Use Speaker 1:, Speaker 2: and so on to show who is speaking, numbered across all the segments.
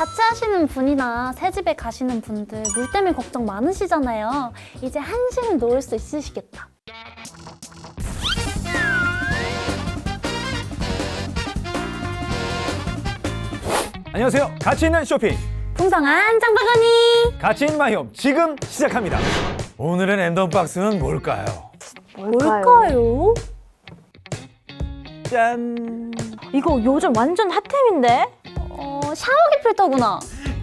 Speaker 1: 자취하시는 분이나 새집에 가시는 분들 물 때문에 걱정 많으시잖아요. 이제 한식을 놓을 수 있으시겠다.
Speaker 2: 안녕하세요. 가치 있는 쇼핑
Speaker 1: 풍성한 장바구니!
Speaker 2: 가치 있는 마이홈 지금 시작합니다. 오늘의 랜덤 박스는 뭘까요?
Speaker 1: 뭘까요?
Speaker 2: 짠!
Speaker 3: 이거 요즘 완전 핫템인데?
Speaker 1: 샤워기 필터구나.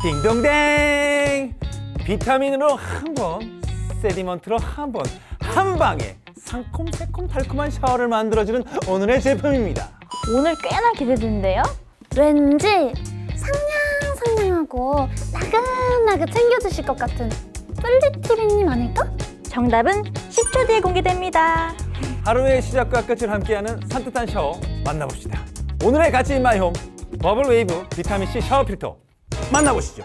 Speaker 2: 띵동댕! 비타민으로 한 번, 세디먼트로 한 번, 한 방에 상콤, 새콤, 달콤한 샤워를 만들어주는 오늘의 제품입니다.
Speaker 3: 오늘 꽤나 기대되는데요?
Speaker 1: 왠지 상냥상냥하고 나긋나긋 챙겨주실 것 같은 뿔리티비님 아닐까?
Speaker 3: 정답은 10초 뒤에 공개됩니다.
Speaker 2: 하루의 시작과 끝을 함께하는 산뜻한 샤워 만나봅시다. 오늘의 가치 있는 마이홈 버블웨이브 비타민C 샤워 필터 만나보시죠.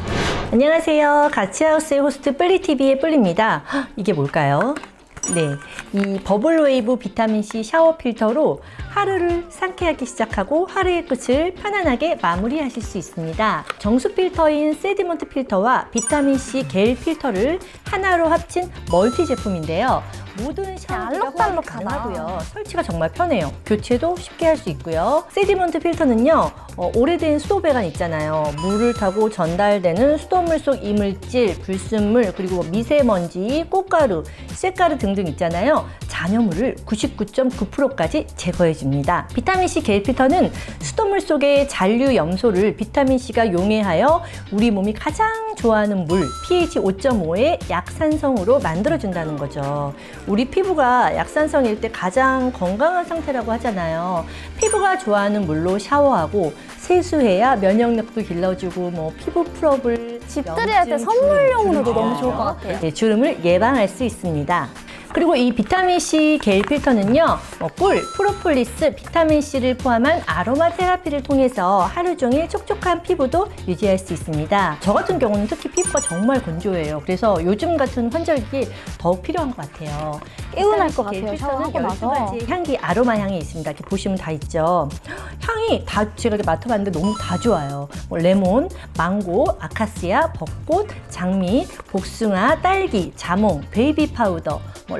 Speaker 4: 안녕하세요. 가치하우스의 호스트 뿔리TV의 뿔리입니다. 이게 뭘까요? 네, 이 버블웨이브 비타민C 샤워 필터로 하루를 상쾌하게 시작하고 하루의 끝을 편안하게 마무리하실 수 있습니다. 정수 필터인 세디먼트 필터와 비타민C 겔 필터를 하나로 합친 멀티 제품인데요. 모든 샤워기가 호환이
Speaker 1: 알록달록하다.
Speaker 4: 가능하고요. 설치가 정말 편해요. 교체도 쉽게 할 수 있고요. 세디먼트 필터는요, 오래된 수도배관 있잖아요. 물을 타고 전달되는 수돗물 속 이물질, 불순물, 그리고 미세먼지, 꽃가루, 쇳가루 등등 있잖아요. 잔여물을 99.9%까지 제거해줍니다. 비타민C 겔 필터는 수돗물 속의 잔류 염소를 비타민C가 용해하여 우리 몸이 가장 좋아하는 물, pH 5.5의 약산성으로 만들어준다는 거죠. 우리 피부가 약산성일 때 가장 건강한 상태라고 하잖아요. 피부가 좋아하는 물로 샤워하고 세수해야 면역력도 길러주고 피부 풀업을
Speaker 1: 집들이 할 때 선물용으로도 너무 좋을 것 같아요.
Speaker 4: 네, 주름을 예방할 수 있습니다. 그리고 이 비타민C 겔 필터는요, 꿀, 프로폴리스, 비타민C를 포함한 아로마 테라피를 통해서 하루 종일 촉촉한 피부도 유지할 수 있습니다. 저 같은 경우는 특히 피부가 정말 건조해요. 그래서 요즘 같은 환절기에 더욱 필요한 것 같아요.
Speaker 3: 개운할 것
Speaker 4: 겔
Speaker 3: 같아요,
Speaker 4: 필터는
Speaker 3: 샤워하고 나서.
Speaker 4: 12가지 향기, 아로마 향이 있습니다. 이렇게 보시면 다 있죠. 향이 다 제가 이렇게 맡아봤는데 너무 다 좋아요. 레몬, 망고, 아카시아, 벚꽃, 장미, 복숭아, 딸기, 자몽, 베이비 파우더,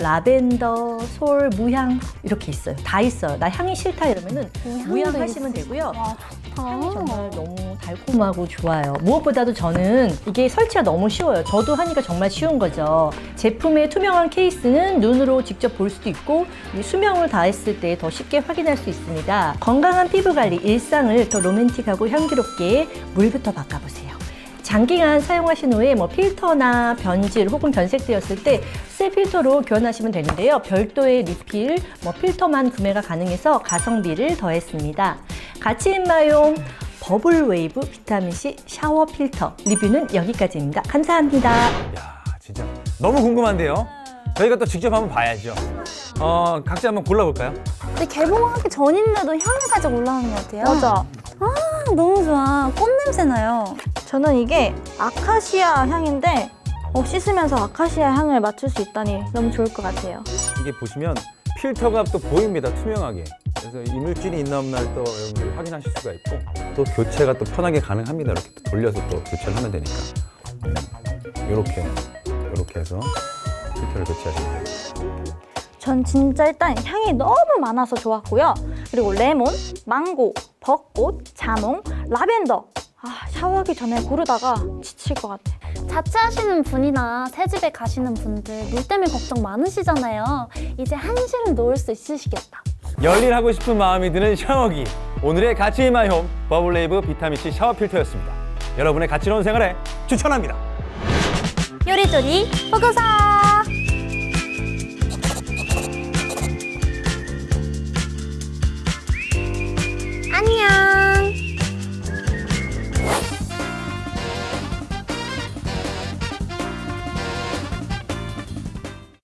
Speaker 4: 라벤더, 솔, 무향 이렇게 있어요. 다 있어요. 나 향이 싫다 이러면은 무향 하시면 되고요. 향이 정말 너무 달콤하고 좋아요. 무엇보다도 저는 이게 설치가 너무 쉬워요. 저도 하니까 정말 쉬운 거죠. 제품의 투명한 케이스는 눈으로 직접 볼 수도 있고 이 수명을 다했을 때 더 쉽게 확인할 수 있습니다. 건강한 피부 관리, 일상을 더 로맨틱하고 향기롭게 물부터 바꿔보세요. 장기간 사용하신 후에 필터나 변질 혹은 변색되었을 때 새 필터로 교환하시면 되는데요. 별도의 리필, 필터만 구매가 가능해서 가성비를 더했습니다. 가치 있는 마이홈 버블웨이브 비타민C 샤워 필터 리뷰는 여기까지입니다. 감사합니다.
Speaker 2: 야, 진짜 너무 궁금한데요. 저희가 또 직접 한번 봐야죠. 각자 한번 골라볼까요?
Speaker 1: 근데 개봉하기 전인데도 향이 살짝 올라오는 것 같아요.
Speaker 3: 맞아.
Speaker 1: 너무 좋아. 꽃 냄새 나요.
Speaker 3: 저는 이게 아카시아 향인데 씻으면서 아카시아 향을 맡을 수 있다니 너무 좋을 것 같아요.
Speaker 2: 이게 보시면 필터가 또 보입니다. 투명하게. 그래서 이물질이 있나 없나 또 여러분들 확인하실 수가 있고 또 교체가 또 편하게 가능합니다. 이렇게 또 돌려서 또 교체를 하면 되니까. 이렇게 해서 필터를 교체하시면 됩니다.
Speaker 3: 전 진짜 일단 향이 너무 많아서 좋았고요. 그리고 레몬, 망고, 벚꽃, 자몽, 라벤더. 샤워하기 전에 고르다가 지칠 것 같아.
Speaker 1: 자취하시는 분이나 새집에 가시는 분들 물 때문에 걱정 많으시잖아요. 이제 한식을 놓을 수 있으시겠다.
Speaker 2: 열일하고 싶은 마음이 드는 샤워기. 오늘의 가치 있는 마이홈 버블웨이브 비타민C 샤워 필터였습니다. 여러분의 가치로운 생활에 추천합니다.
Speaker 1: 요리조리 보고서!